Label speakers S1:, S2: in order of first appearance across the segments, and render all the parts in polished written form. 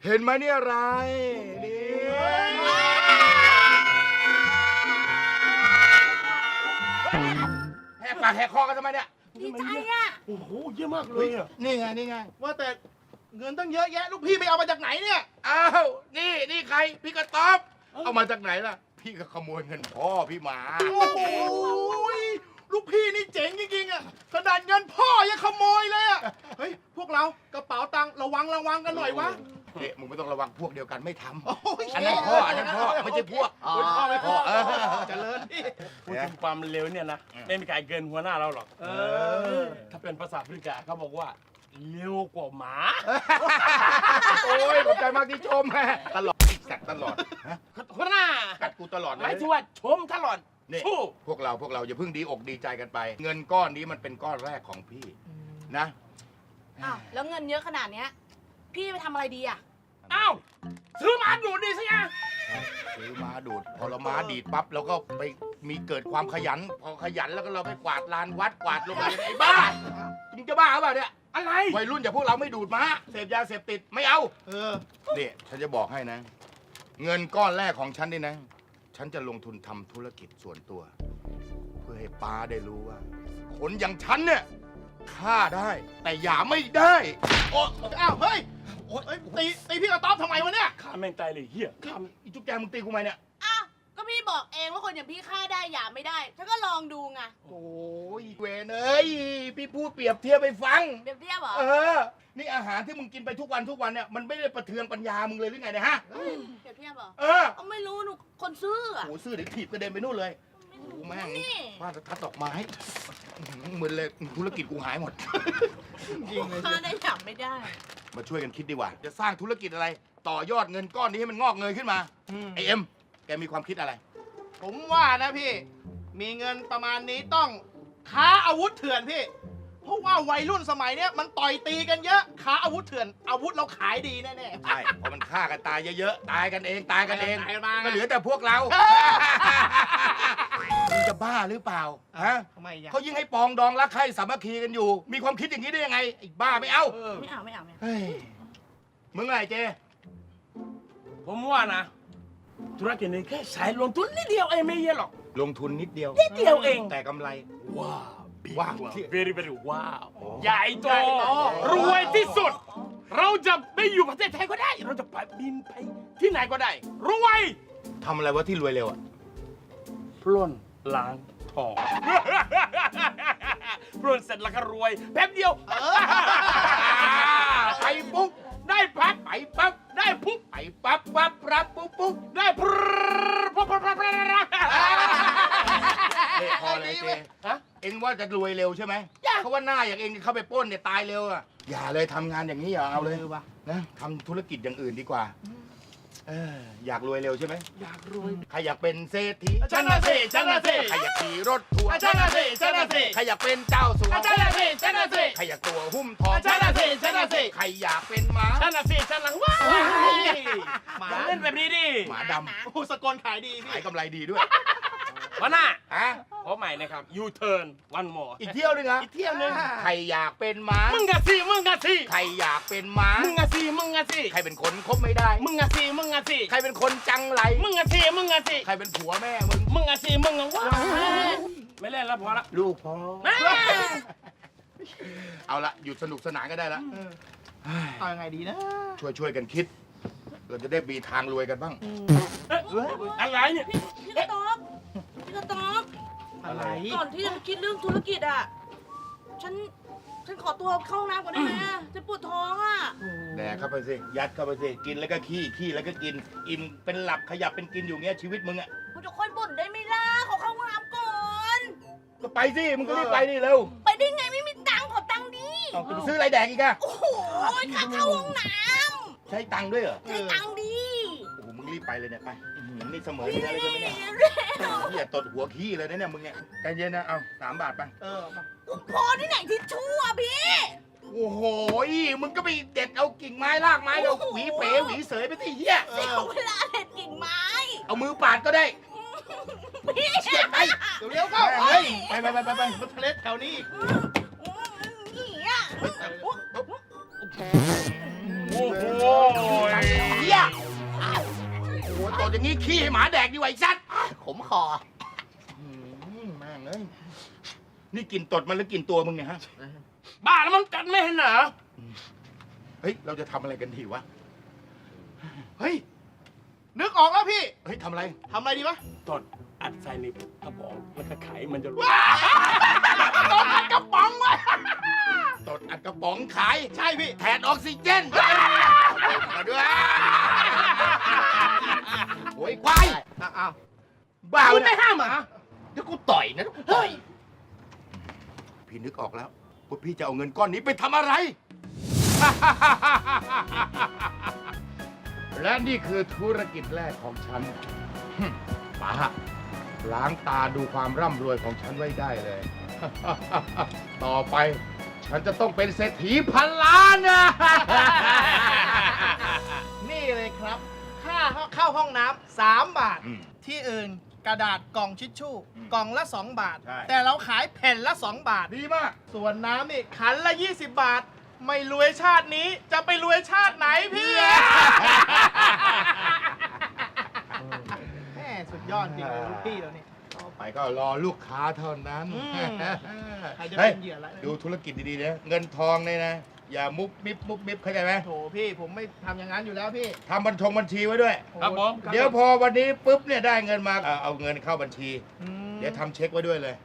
S1: เห็นไหมเนี่ยอะไรนี่แหกปากแหกคอกันทำไมเนี่ย
S2: ดีใจอ่ะ
S3: โอ้โหเยอะมากเลยอ่ะ
S1: นี่ไงนี่ไง
S3: ว่าแต่เงินตั้งเยอะแยะลูกพี่ไปเอามาจากไหนเนี่ย
S1: อ้าวนี่ใครพี่กระต๊อบเอามาจากไหนล่ะพี่ก็ขโมยเงินพ่อพี่มา
S3: โอ้โหลูกพี่นี่เจ๋งจริงๆอ่ะขนาดเงินพ่อยังขโมยเลยอ่ะเฮ้ยพวกเรากระเป๋าตังค์ระวังกันหน่อยวะ
S1: เอ๊ะมึงไม่ต้องระวังพวกเดียวกันไม่ท
S3: โอ้ย
S1: ำอันนั้นพ่อไม่ใช่พวก
S3: พ่อไม่พ่อ
S1: เจริญ
S4: พูดถึงความเร็วเนี่ยนะ
S1: อืม
S4: ไม่มีใครเกินหัวหน้าเราหรอกถ้าเป็นภาษาพริกาเขาบอกว่าเร็วกว่าหมา
S1: โอ้ยขอบใจมากที่ชมแม่ตลอดสักตลอด
S4: หัวหน้า
S1: กัดกูตลอด
S4: ห
S1: เล
S4: มาย
S1: ย
S4: ถึงว่าชมตลอด
S1: นี่
S4: สู้
S1: พวกเราอย่าเพิ่งดีอกดีใจกันไป เงินก้อนนี้มันเป็นก้อนแรกของพี่นะ
S2: อ้าวแล้วเงินเยอะขนาดเนี้ยพี่ไปทำอะไรดีอ่ะ
S4: อ้าวซื้อมาดูดีสิอ่ะ
S1: ซื้อม้าดูดพอเราม้าดีดปั๊บเราก็ไปมีเกิดความขยัน พอขยันแล้วก็เราไปกวาดลานวัดกวาดโรงเรียนไอ้บ้ามึงจะบ้าหรือเปล่าเนี่ย
S4: อะไร
S1: วัยรุ่นอย่างพวกเราไม่ดูดม้าเสพยาเสพติดไม่เอา
S3: เออ
S1: นี่ฉันจะบอกให้นะ เงินก้อนแรกของฉันนี่นะ ฉันจะลงทุนทำธุรกิจส่วนตัว เพื่อให้ป้าได้รู้ว่า คนอย่างฉันเนี่ยฆ่าได้ แต่อย่าไม่ได้
S3: โอ้อ้าวเฮ้ยโอ้ยตีพี่กระต๊อบทำไมวะเนี่ย
S4: ข้าแม่งตายเลยเฮีย
S1: อีจุ๊บแจมึงตีกูไหมเนี่ย
S2: อ้าวก็พี่บอกเองว่าคนอย่างพี่ฆ่าได้หย่าไม่ได้ฉันก็ลองดูไง
S1: โอ้ยเวนเอ้ยพี่พูดเปรียบเทียบไปฟัง
S2: เปรียบเทียบเหรอ
S1: นี่อาหารที่มึงกินไปทุกวันเนี่ยมันไม่ได้ประเทืองปัญญามึงเลยหรือไงเนี่ยฮะ
S2: เปรียบเทียบเหรอ
S1: เออ
S2: ก็ไม่รู้หนูคนซื่ออะ
S1: โอ้ซื่อเดี๋ยวถีบกระเด็นไปนู่นเลย
S2: ไม่
S1: โอ้
S2: รู้
S1: แม่ง
S2: นี่
S1: ฟาดทัดดอกไม้มึนเลยธุรกิจกูหายหมด
S2: ฆ่าได้หย่าไม่ได้
S1: มาช่วยกันคิดดีกว่า จะสร้างธุรกิจอะไร ต่อยอดเงินก้อนนี้ให้มันงอกเงยขึ้นมาไอเอ็มแกมีความคิดอะไร
S3: ผมว่านะพี่ มีเงินประมาณนี้ต้องค้าอาวุธเถื่อนพี่ เพราะว่าวัยรุ่นสมัยเนี้ยมันต่อยตีกันเยอะค้าอาวุธเถื่อนอาวุธเราขายดีแน่ๆ
S1: ใช่เพราะมันฆ่ากันตายเยอะๆตายกันเองตายกันเอง
S3: ตายกันมา
S1: ก็เหลือแต่พวกเรามึงจะบ้าหรือเปล่าฮะ
S3: ทำไมอ่ะ
S1: เขายิ่งให้ปองดองรักใคร่สามัคคีกันอยู่ มีความคิดอย่างนี้ได้ยังไงไอ้บ้าไม่เอา
S2: ไม่เอาไม่เอาไม่เอา
S1: เฮ้ยมึงไงเจ
S4: ผมว่านะ ธุรกิจนี้แค่สายลงทุนนิดเดียวเองไม่เยอะหรอก
S1: ลงทุนนิดเดียว
S4: นิดเดียวเอง
S1: แต่กำไร
S4: ว้าว
S1: ว้าว
S4: very very ว้าว ใหญ่โต รวยที่สุด เราจะไม่อยู่ประเทศไทยก็ได้ เราจะไปบินไปที่ไหนก็ได้ รวย
S1: ทำอะไรวะที่รวยเร็วอ่ะ
S4: ปล้นล้างทอง ปล้นเสร็จแล้วก็รวยแป๊บเดียว
S1: ไปปุ๊บ
S4: ได้พัก
S1: ไปปั๊บ
S4: ได้ปุ๊บ
S1: ไปปั๊บปั๊บรับปุ๊บปุ๊บ
S4: ได้พรพร
S1: นี่พอเลยเจ
S4: ฮะ
S1: เอ็งว่าจะรวยเร็วใช่ไหม
S4: อย่า
S1: เพราะว่าหน้าอย่างเอ็งเข้าไปปล้นเนี่ยตายเร็วอ่ะอย่าเลยทำงานอย่างนี้อย่าเอาเลยนะทำธุรกิจอย่างอื่นดีกว่าอยากรวยเร็วใช่ไหม
S4: อยากรวย
S1: ใครอยากเป็นเศรษฐี
S4: ฉันน่ะสิฉันน่ะสิ
S1: ใครอยากขี่รถทัวร์
S4: ฉันน่ะสิฉันน่ะสิ
S1: ใครอยากเป็นเจ้าสัว
S4: ฉันน่ะสิฉันน่ะสิ
S1: ใครอยากตัวหุ้มทอง
S4: ฉันน่ะสิฉันน่ะสิ
S1: ใครอยากเป็นหมา
S4: ฉันน่ะสิฉันน่ะว้าว
S3: หมา
S4: อย่าเล่นแบบนี้ดิ
S1: หมาดำ
S3: โอ้สกลขายดีพี่
S1: ขายกำไรดีด้วย
S4: วันหน้า
S1: ฮะ
S4: ขอใหม่นะครับ ยูเทิร์นวันมอ
S1: อีกเที่ยวหนึงอ่ะ
S4: อีกเที่ยวหนึง
S1: ใครอยากเป็นหมา
S4: มึงอะสิมึงอะสิ
S1: ใครอยากเป็นหมา
S4: มึงอะสิมึงอะสิ
S1: ใครเป็นคนคบไม่ได้
S4: มึงอะสิมึงอะสิ
S1: ใครเป็นคนจังไร
S4: มึงอะสิมึงอะสิ
S1: ใครเป็นผัวแม่มึง
S4: มึงอะสิมึงอะว้าวไม่เล่นแล้วพอละ
S1: ลูกพ่อ
S4: แม่
S1: เอาละหยุดสนุกสนานก็ได้ละ
S3: เอายังไงดีนะ
S1: ช่วยกันคิด เราจะได้มีทางรวยกันบ้าง
S4: อะไรเนี่ย
S2: พี่กระต๊อบพี่กระต๊อบ
S3: อะไร
S2: ก่อนที่จะคิดเรื่องธุรกิจอ่ะฉันขอตัวเข้าห้องน้ำก่อนได้ไหมอะฉันปวดท้องอ่ะ
S1: แดกเข้าไปสิ ยัดเข้าไปสิ กินแล้วก็ขี้แล้วก็กิน อิ่มเป็นหลับขยับเป็นกินอยู่เงี้ยชีวิตมึงอ่ะ
S2: คุณจะค่อยบ่นได้ไหมล่ะขอเข้าห้องน้ำก่อน
S1: ก็ไปสิ มึงก็รีบไปดิเร็ว
S2: ไปได้ไงไม่มีตังค์ขอตังค์ดิ
S1: เอาไปซื้ออะไรแดกอีกอะ
S2: โอ้โหค่าเข้าห้องน้
S1: ใช้ตังค์ด้วยเหรอ
S2: ำใช้ตังค์ดิ
S1: โอ้โห มึงรีบไปเลยเนี่ยไปนี่เสมอเนื้อเลยใช่ไหมเนี่ย
S2: เร็ว
S1: พี่อย่าตดหัวขี้เลยนะเนี่ยมึงเนี่ยใจเย็นนะ เอา3 บาทไป
S3: มา
S2: พอที่ไหนทิชชู่อ่ะพี่
S1: โอ้โห มึงก็ไปเด็ดเอากิ่งไม้รากไม้เอาหวีเป๋หวีเสยไปที่เหี้ย
S2: เสียเวลาเด็ดกิ่งไม้
S1: เอามือปาดก็ได้
S2: พี่
S1: ไป
S3: เร็วๆเข้า
S1: เฮ้ยไป
S3: รถทะเลแถวนี้
S2: นี่อ่ะ
S4: โอ้โห
S1: อย่างงี้ขี้ให้หมาแดกดีกว่าไอ้สัตว์
S5: ขมคอ
S1: แม่งเอ้ยนี่กินตดมันหรือกินตัวมึงเนี่ยฮะ
S4: บ้าแล้วมันกัดไม่เห็นเหรอ
S1: เฮ้ย เราจะทำอะไรกันดีวะ เฮ้ย
S3: นึกออกแล้วพี่
S1: เฮ้ยทำอะไร
S3: ทำอะไรดีวะ
S4: ตดอัดใส่ในกระป๋องแล้วก็ไขมันจะรู้
S3: ตอนอัดกระป๋องไว้
S1: ตดอัดกระป๋องขาย
S3: ใช่พี่
S1: แทนออกซิเจนมาด้วยโอ้ยควาย
S3: อ้าว
S1: บ้า
S4: คุ
S1: วะ
S4: ณ
S1: เนี่
S4: ไม่
S1: ย
S4: ห้ามเหรอ
S5: เดี๋ยวกูต่อยนะเดี๋ยวกูต่อย
S1: พี่นึกออกแล้วว่าพี่จะเอาเงินก้อนนี้ไปทำอะไร และนี่คือธุรกิจแรกของฉัน ป๋าล้างตาดูความร่ำรวยของฉันไว้ได้เลย ต่อไปฉันจะต้องเป็นเศรษฐีพันล้านนะ
S3: นี่เลยครับ ค่าเข้าห้องน้ำ3 บาท
S1: อืม
S3: ที่อื่นกระดาษกล่องชิชชู่ กล่องละ 2 บาท
S1: ใช่
S3: แต่เราขายแผ่นละ 2 บาท
S1: ดีมาก
S3: ส่วนน้ำนี่ขันละ 20 บาท ไม่รวยชาตินี้จะไปรวยชาติไหนพี่ แม่สุดยอดจริงเลยลูกพี่เราเนี่ย
S1: ต่อไปก็รอลูกค้าเท่านั้น
S3: อืม ใครจะ
S1: เฮ้ย
S3: เป็นเหยื่อละ
S1: ดูธุรกิจดีๆนะเงินทองเนี่ยนะ อย่ามุบมิบมุบมิบเข้าใจไหม
S3: โถพี่ผมไม่ทำอย่างนั้นอยู่แล้วพี่
S1: ทำบัญชีไว้ด้วย
S4: ครับผม
S1: เดี๋ยวพอวันนี้ปุ๊บเนี่ยได้เงินมาเอาเงินเข้าบัญชี
S3: อืม
S1: เดี๋ยวทำเช็คไว้ด้วยเลย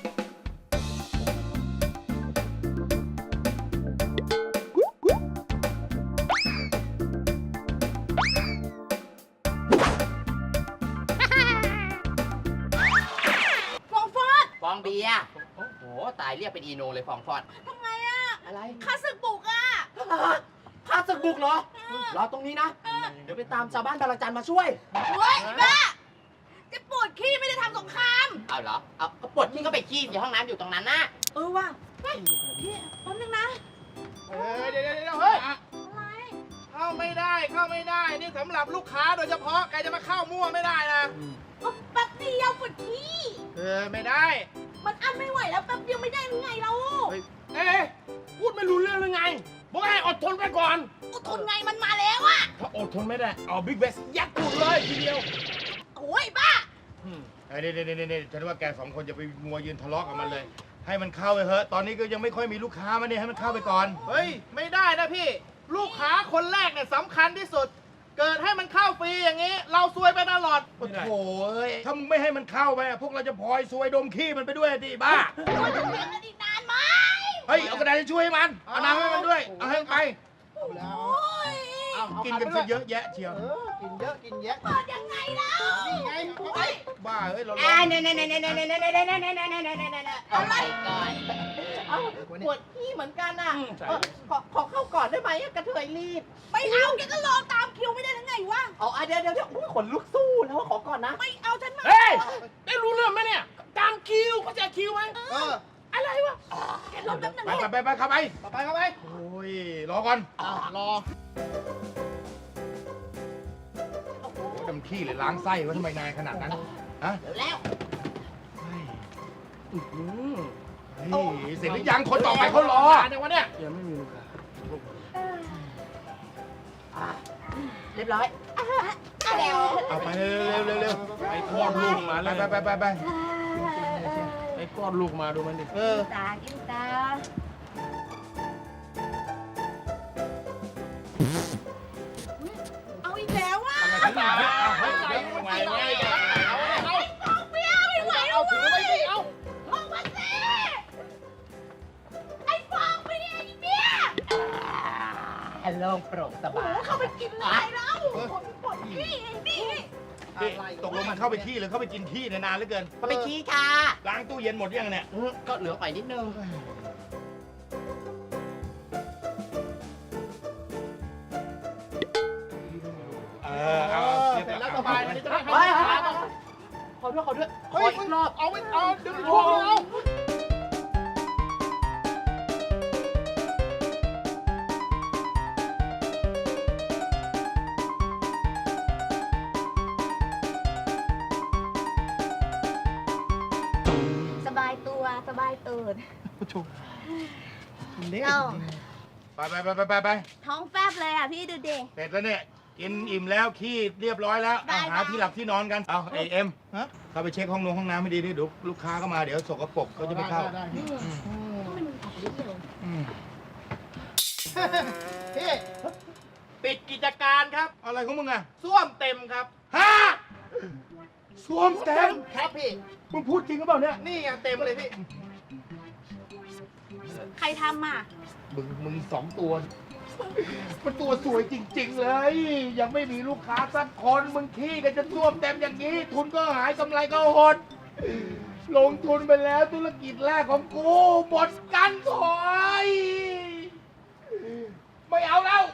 S2: ฟองฟอด
S5: ฟองเบียร์โอ้โห ตายเรียกเป็นอีโนเลยฟองฟอด
S2: ทำไงอะ
S5: อะไร
S2: ข้าศึกบุกอะ
S5: ข้าศึกบุกเหรอ รอตรงนี้นะ เดี๋ยวไปตามชาวบ้านบางระจันมาช่วย
S2: เฮ้ยไอ้บ้าจะปวดขี้ไม่ได้ทำสงคราม
S5: เอาเหรอ เอาก็ปวดที่ก็ไปขี้ในห้องน้ำอยู่ตรงนั้นนะ
S2: เออว่ะเฮ้ยพี่แป๊บนึงนะ
S3: เดี๋ยวเฮ้ย
S2: อะไร
S3: เข้าไม่ได้เข้าไม่ได้ นี่สำหรับลูกค้าโดยเฉพาะใครจะมาเข้ามั่วไม่ได้นะ
S2: ก็แป๊บเดียวปวดขี้
S3: ไม่ได้
S2: มันอั้นไม่ไหวแล้วแป๊บเดียวไม่ได้หรือไงเรา
S4: เอ๊ะพูดไม่รู้เรื่องหรือไงบอกให้อดทนไปก่อน
S2: อดทนไงมันมาแล้วอะ
S4: ถ้าอดทนไม่ได้ เอาบิ๊กเบสยัดตูดเลยทีเดียว
S2: โอ้ยบ้า
S1: ไอ้นี่ฉันว่าแกสองคนจะไปมัวยืนทะเลาะกับมันเลย ให้มันเข้าไปเถอะ ตอนนี้ก็ยังไม่ค่อยมีลูกค้ามาเนี่ยให้มันเข้าไปก่อน
S3: เฮ้ย ไม่ได้นะพี่ ลูกค้าคนแรกเนี่ยสำคัญที่สุด เกิดให้มันเข้าฟรีอย่างนี้ เราซวยไปตลอด
S1: โอ้โหเอ้ยถ้ามึงไม่ให้มันเข้าไปอะพวกเราจะพลอยซวยดมขี้มันไปด้วยดิบ้า
S2: เราจะเถียงกันอีกนานไหม
S1: เฮ้ย เอากระดาษทิชชู่ให้มัน เอาน้ำให้มันด้วย เอาให้มันไป
S2: โอ้ย
S1: กินกันซะเยอะแยะเชียว
S3: กินเยอะกินแยะ
S2: เปิดยังไงแล้ว
S3: นี่ไงเอาไป
S1: บ้าเฮ้ย เราล
S5: อ่า
S1: อง
S5: เนี่ยอะไรก่อนเอาปวดขี้เหมือนกันอ่ะ ขอเข้าก่อนได้ไหมกระเทยรีบ
S2: ไม่เอาแกก็รอตามคิวไม่ได้หรือไงวะ
S5: เอาเดี๋ยวอุ๊ยขนลุกสู้แล้วขอก่อนนะ
S2: ไม่เอาฉันมา
S4: เฮ้ย ได้รู้เรื่องไหมเนี่ย ตามคิวเขาใจะคิวไหม
S3: เออ
S4: อะไรวะ
S2: แกรอแป๊บนึง
S1: ไปเข้าไป
S3: ต่อไปเข้าไป
S1: โอ้ย รอก่อน
S3: รอ
S1: โอ้โหดำขี้เลยล้างไส้ว่าทำไมนายขนาดนั้น ฮะ
S5: แล้ว
S1: เฮ้ยเสร็จหรือยังคนต่อไปเขารอ
S3: เดี๋ยววะเนี่ย
S4: ยังไม่มีลูกค้า
S5: เรียบร้อย
S2: แล้ว
S1: เอาไปเร็ว
S4: ไอ้คลอดลูกมา
S1: ไป
S4: เลย
S1: ไป
S4: ไอ้คลอดลูกมาดูมันดิ
S3: เออ
S2: ตากินตาเอาอีกแล้วอ่ะ
S3: เอาไปเอาเอา
S2: ฟองเบียร์ไม่ไหวแล้ว
S3: ถือไว้สิเอา
S2: ออกมาสิไอ้ฟองเบียร์ไอ้เบียร์
S5: ฮัลโหลโปร่งส
S2: โอ้
S5: บาย
S2: เข้าไปกินอะไรแล้วปวดขี้นี่
S1: ตกลงมันเข้าไปขี้หรือเข้าไปกินขี้นานเหลือเกิน
S5: ก็ไปขี้ค่ะ
S1: ล้างตู้เย็นหมดยังเนี่ย
S5: ก็เหลือไปนิดนึง
S1: เอา
S3: เสร็จแล้วสบายอันนี้จะได้
S5: เฮ้ย
S3: ให้
S5: ขอด้วยขอ
S3: เฮ้ย
S5: อีกรอบ
S3: เอาไว้เอาเดี๋ยวไปทวงเอา
S2: สบายตัวสบายตูด
S3: เล่น
S2: เรา
S1: ไป
S2: ท้องแฟบเลยอ่ะพี่ดูดิ
S1: เสร็จแล้วเนี่ยกินอิ่มแล้วขี้เรียบร้อยแล้ว
S2: ได้
S1: เอาหา
S2: ได้
S1: ที่หลับที่นอนกัน เอาไอเอ็ม
S3: ฮะ
S1: เข้าไปเช็คห้องน้ำให้ดีดิเดี๋ยวลูกค้าก็มาเดี๋ยวสกปรกเขาจะไม่เข้า
S3: ได้
S2: ทำไมมันออกฤทธิ์เร็ว
S1: อืม
S3: พี่ปิดกิจการครับ
S1: อะไรของมึงอะ
S3: ส้วมเต็มครับ
S1: ฮะสวมเต็ม
S3: ครับพี่
S1: มึงพูดจริงหรือเปล่าเนี่ย
S3: นี่ไงเต็มเลยพี่
S2: ใครทำอ่ะ
S1: มึงสองตัว มันตัวสวยจริง ๆ เลย ยังไม่มีลูกค้าสักคนมึงขี้กันจะท่วมเต็มอย่างนี้ ทุนก็หายกำไรก็หด ลงทุนไปแล้วธุรกิจแรกของกูหมดกันถอย ไม่เอาแล้ว